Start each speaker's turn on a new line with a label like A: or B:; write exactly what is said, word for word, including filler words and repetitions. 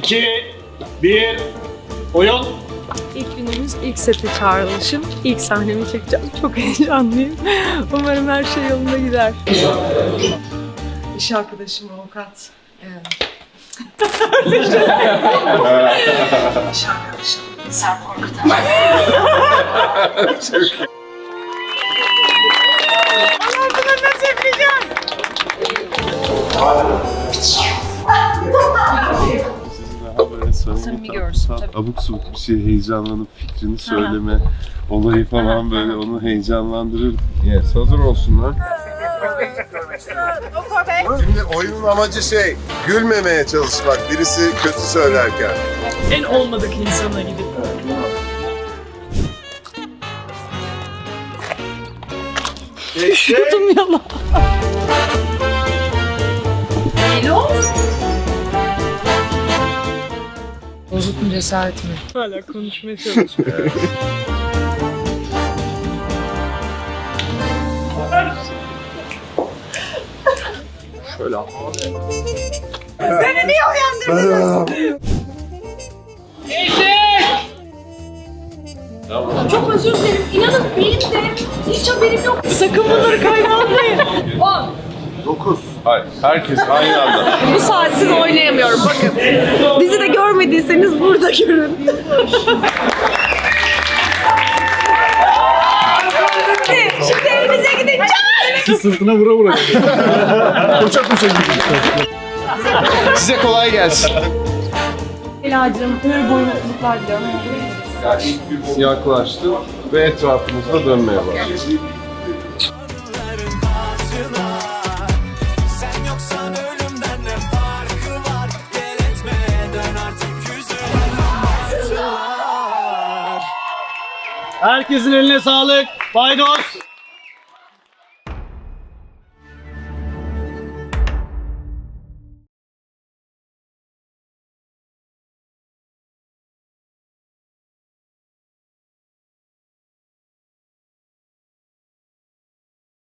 A: iki, bir, oyun.
B: İlk günümüz, ilk sete çağrılışım. İlk sahnemi çekeceğim. Çok heyecanlıyım. Umarım her şey yolunda gider. İş arkadaşım avukat. Evet. İş arkadaşım Sarp Korkutan. Allah'ım bunu nasıl yapacağım?
C: Samimi görsün tabii. Abuk subuk bir şey heyecanlanıp fikrini söyleme olayı falan böyle onu heyecanlandırır. Yes, hazır olsunlar.
D: Şimdi oyunun amacı şey, gülmemeye çalışmak birisi kötü söylerken.
B: En olmadık insana gidip. Düşüyordum yalan. Hello? Bozuk mu cesaret mi? Hala konuşmaya çalışıyorum.
D: Şöyle al.
B: Seni niye uyandırdınız?
E: Çok özür dilerim. İnanın benim de hiç haberim yok.
B: Sakın bunları kaynatmayın.
E: On.
C: Dokuz. Hayır, herkes aynı anda.
B: Bu saatsiz oynayamıyorum bakın. Bizi de görmediyseniz burada görün. Şimdi evinize gideceğiz.
A: Sırtına vura vura. Koşa koşa gidiyor.
C: Size kolay gelsin.
E: Ela'cığım ömür boyu mutluluklar diliyorum.
C: Yani ilk gün siyahlaştı ve etrafımızda dönmeye başladı.
A: Herkesin eline sağlık. Paydos.